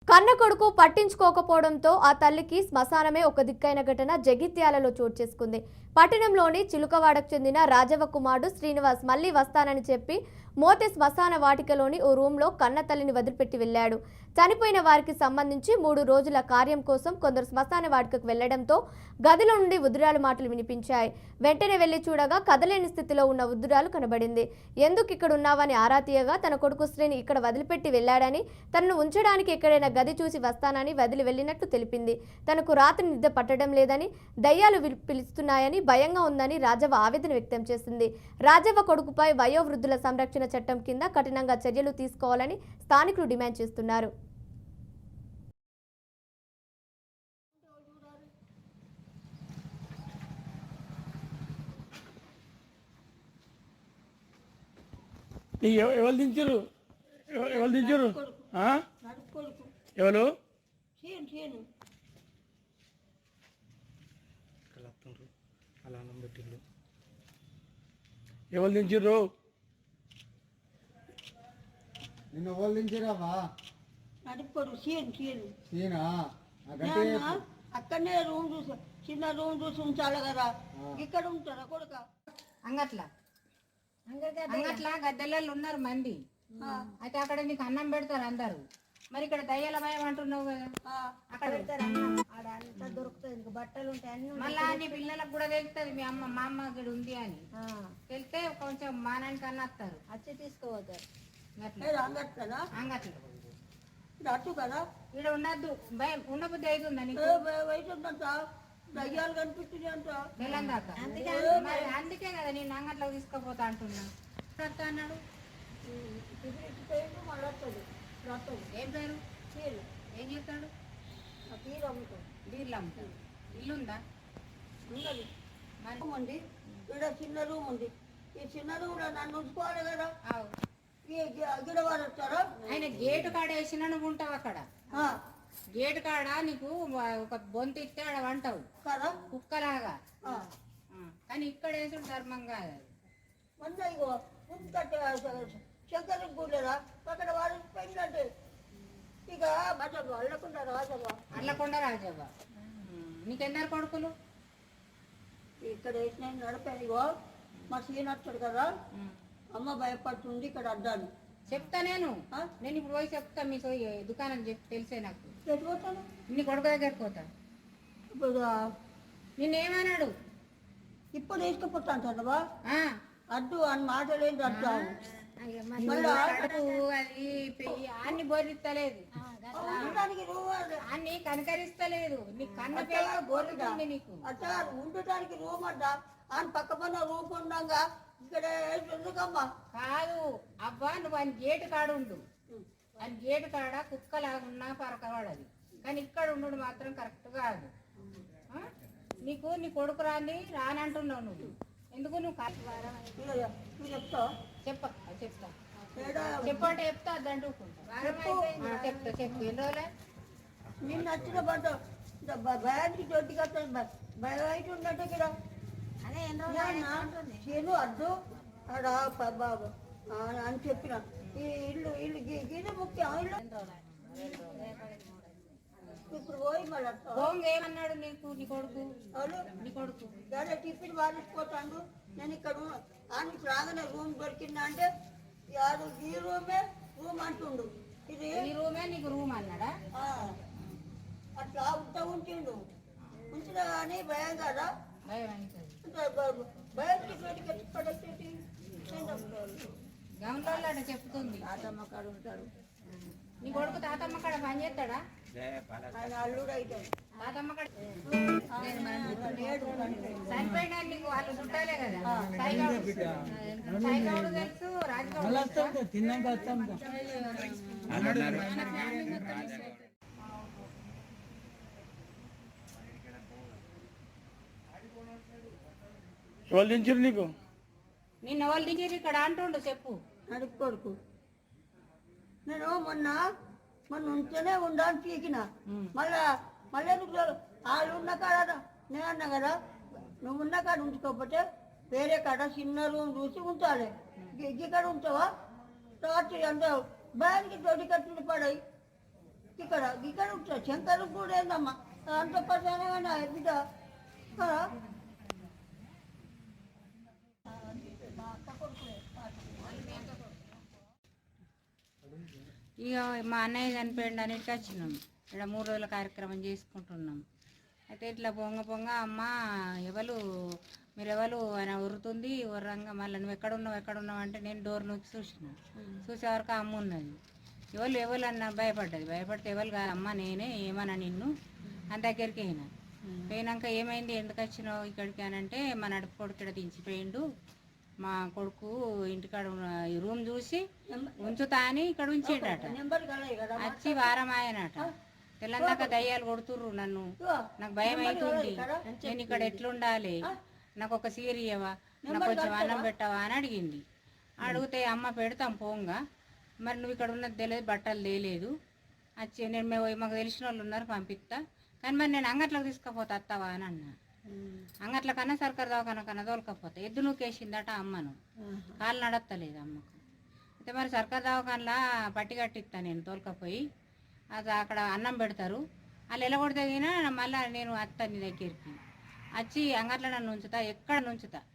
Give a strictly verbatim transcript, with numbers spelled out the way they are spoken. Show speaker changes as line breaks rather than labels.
కన్న కొడుకు పట్టించుకోకపోవడంతో ఆ తల్లికి శ్మశానమే ఒక దిక్కైన ఘటన జగిత్యాలలో చోటు చేసుకుంది. పట్టణంలోని చిలుకవాడకు చెందిన రాజవ కుమారుడు శ్రీనివాస్ మళ్లీ వస్తానని చెప్పి మోతే శ్మశాన వాటికలోని ఓ రూమ్లో కన్న తల్లిని వదిలిపెట్టి వెళ్లాడు. చనిపోయిన వారికి సంబంధించి మూడు రోజుల కార్యం కోసం కొందరు శ్మశాన వాటికకు వెళ్లడంతో గదిలో నుండి ఉద్రాలు మాటలు వినిపించాయి. వెంటనే వెళ్లి చూడగా కదలేని స్థితిలో ఉన్న ఉద్రాలు కనబడింది. ఎందుకు ఇక్కడ ఉన్నావని ఆరా తీయగా తన కొడుకు శ్రీని ఇక్కడ వదిలిపెట్టి వెళ్లాడని, తనను ఉంచడానికి ఎక్కడైనా గది చూసి వస్తానని వదిలి వెళ్లినట్లు తెలిపింది. తనకు రాత్రి నిద్ర పట్టడం లేదని, దయ్యాలు పిలుస్తున్నాయని భయంగా ఉందని రాజవ్వ ఆవేదన వ్యక్తం చేసింది. రాజవ్వ కొడుకుపై వయోవృద్ధుల సంరక్షణ చట్టం కింద కఠినంగా చర్యలు తీసుకోవాలని స్థానికులు డిమాండ్ చేస్తున్నారు.
ఎవరు దించారు ఎవరు దించారు ఎవరు ఎవరు దించారు
నిన్న ఎవరు దించారావా
నడుపుకోడు సీన్ సీన్
సీనా
అక్కడనే రూమ్ చూసి చిన్న రూమ్ చూసి ఉంచాలి కదా, ఇక్కడ ఉంటారా కొడుక
అంగట్లా అంగట్లా గద్దెలలో ఉన్నారు మంది. అయితే అక్కడ నీకు అన్నం పెడతారు అందరు. మరి ఇక్కడ దయ్యాల భయం అంటున్నావు కదా, అక్కడ
అంతా దొరుకుతుంది, బట్టలు ఉంటాయి అన్ని.
మళ్ళా నీ పిల్లలకు కూడా తెలుస్తుంది మీ అమ్మ మా అమ్మ ఇక్కడ ఉంది అని తెలిస్తే కొంచెం మానానికి అన్న వస్తారు,
వచ్చి తీసుకోవద్దారు.
అంగట్లా
అటు కదా
ఇక్కడ ఉండద్దు, భయం ఉండబుద్ధి అవుతుందా నీకు?
వయసుందంట, దయ్యాలు కనిపిస్తుంది అంట
తెలంగాణ. మరి అందుకే కదా నేను అంగట్లోకి తీసుకుపోతా అంటున్నా అన్నాడు.
మళ్ళీ వస్తుంది వస్తుంది.
ఏం పేరు?
చీరలు
ఏం చేస్తాడు?
తీరు అమ్ముతాడు.
బీర్లు అమ్ముతాడు. ఇల్లుందా?
ఉన్నది. రూమ్ ఉంది, ఇక్కడ చిన్న రూమ్ ఉంది. ఈ చిన్న రూమ్ లో నన్ను ఉంచుకోవాలి కదా, గిడ వారు వస్తారా?
ఆయన గేటు కాడ వేసినా నువ్వు ఉంటావు అక్కడ. గేటు కాడ నీకు ఒక బొంత ఇస్తే ఆడ వంటావు
కదా
కుక్కలాగా. కానీ ఇక్కడ వేసుడు ధర్మం కాదు.
మొన్న ఇగో శంకర్ కూడలేదా అక్కడ వాడు పోయిందంటే ఇక బట్టలు అల్లకుండా రాజవ్వ
అల్లకుండా రాజవ్వ. నీకెందరు కొడుకులు?
ఇక్కడ వేసిన నడిపాను. ఇగో మా సీన్ వచ్చాడు కదా, అమ్మ భయపడుతుంది ఇక్కడ అడ్డాను.
చెప్తా నేను నేను ఇప్పుడు పోయి చెప్తా మీ దుకాణం చెప్పి తెలిసే నాకు.
ఎటుపోతాను?
నీ కొడుకు దగ్గరికి పోతా.
ఇప్పుడు
నిన్నేమన్నాడు?
ఇప్పుడు తీసుకుపోతాను చదవా అడ్డు అని మాటలేంటి అడ్డు
అది అన్ని బోర్లిస్తలేదు, అన్ని కనకరిస్తలేదు. నీ కన్న పిల్ల బోర్లుతుంది నీకు.
అట్లా ఉండటానికి రూమ్ అడ్డా అని పక్క పన్న రూమ్ ఉండగా ఇక్కడ ఎందుకమ్మా
కాదు అబ్బా, నువ్వు ఆయన గేటు కాడ ఉండు. ఆయన గేటు కాడ కుక్కలాగున్నా పరకవాడది, కానీ ఇక్కడ ఉండు మాత్రం కరెక్ట్ కాదు. నీకు నీ కొడుకు రాని రానంటున్నావు నువ్వు. ఎందుకు నువ్వు
చెప్తావు?
చెప్ప చెప్తా చెప్పంటే చెప్తా అద్దంటుకుంటా. చెప్తా చెప్పు. ఎన్ని రోజులే
నిన్ను నచ్చిన పంట భయానికి చోటుకి వస్తుంది, భయం ఉన్నట్టు ఇక్కడ చేను అడ్డు ఆడ బాబు అని చెప్పిన. ఈ ఇల్లు ఇల్లు ఇది ముఖ్యం. ఇల్లు ఇప్పుడు పోయి మళ్ళీ
ఏమన్నాడు నీకు నీ కొడుకు? నీ కొడుకు
అదే టిఫిన్ వాడిపోతాడు. నేను ఇక్కడ ఆయనకి రాగానే రూమ్ దొరికిందా అంటే యాడు ఈ రూమే రూమ్ అంటుండు. ఇది
ఈ రూమే నీకు రూమ్ అన్నాడా?
అట్లా ఉంటా ఉంటుండు. ఉంచినా కానీ భయం కదా,
గమనంలో అట్లా చెప్తుంది.
తాతమ్మ కాడ ఉంటాడు.
నీ కొడుకు తాతమ్మ కాడ పని చేస్తాడా?
ఆయన అల్లుడు అవుతాడు.
తాతమ్మ కాడ చనిపోయినా నీకు వాళ్ళు చుట్టాలే కదా. సాయిగౌడు తెలుసు, రాజగౌడు
తిన్నాక ఎవరు దించారు నీకు?
నిన్న వాళ్ళు దించారు ఇక్కడ అంటుండు. చెప్పు.
నడుపు కొడుకు నేను మొన్న మొన్న ఉంటేనే ఉండాలని పీకిన. మళ్ళా మళ్ళీ వాళ్ళు ఉన్న కాడ నేను అన్నా కదా, నువ్వు ఉన్న కాడ ఉంచుకోకపోతే వేరే కాడ చిన్న రూమ్ చూసి ఉంచాలి. ఇక్కడ ఉంటావా రాత్రి అంత భయానికి తోటి కట్టుని పడాయి. ఇక్కడ ఇక్కడ ఉంటాడు శంకరు కూడా ఏందమ్మా అంత పర్సనగా బిడ్డ కదా.
ఇక మా అన్నయ్య చనిపోయిండు అన్నిటికీ వచ్చినాం. ఇక్కడ మూడు రోజుల కార్యక్రమం చేసుకుంటున్నాం. అయితే ఇట్లా పొంగ పొంగ అమ్మ ఎవరు మీరు ఎవరు ఆయన ఉరుతుంది ఉర్రంగా మళ్ళీ నువ్వు ఎక్కడున్నావు ఎక్కడున్నావు అంటే నేను డోర్ నొక్కి చూసిన చూసే వరకు అమ్మ ఉన్నది. ఎవరు ఎవరు అన్న భయపడ్డది. భయపడితే ఎవరు కాదు అమ్మ నేనే ఏమన్నా నిన్ను అని దగ్గరికి అయినా పోయినాక ఏమైంది ఎందుకు వచ్చినావు ఇక్కడికి అని అంటే మా నడుపు కొడుకు ఇక్కడ దించిపోయిండు, మా కొడుకు ఇంటికాడ ఈ రూమ్ చూసి ఉంచుతా అని ఇక్కడ ఉంచేటట.
నెంబర్ కలయి కదా
వచ్చి వారం ఆయనట. తెల్లందాక దయ్యాలు కొడుతుర్రు నన్ను, నాకు భయం అవుతుంది, నేను ఇక్కడ ఎట్లుండాలి, నాకు ఒక సీర ఇయ్యవా, నాకు కొంచెం అన్నం పెట్టవా అని అడిగింది. అడిగితే అమ్మ పెడతాం పోంగా, మరి నువ్వు ఇక్కడ ఉన్నది తెలియదు బట్టలు తేలేదు, వచ్చి నేను మేము మాకు తెలిసిన వాళ్ళు ఉన్నారు పంపిస్తా, కానీ మరి నేను అంగట్లోకి తీసుకుపోతా అత్తవా అని అన్నా. అంగట్ల కన్నా సర్కారు దవాఖాన కన్నా తోలుకపోతా. ఎద్దు నూకేసిందట అమ్మను, కాళ్ళు నడత్తలేదు అమ్మకు. అయితే మరి సర్కారు దవాఖానలా పట్టి కట్టిస్తా నేను తోలుకపోయి, అది అక్కడ అన్నం పెడతారు, వాళ్ళు ఎలగొడితే తినా మళ్ళీ నేను అత్త నీ దగ్గరికి వచ్చి అంగట్లో నన్ను ఉంచుతా, ఎక్కడ నుంచుతా,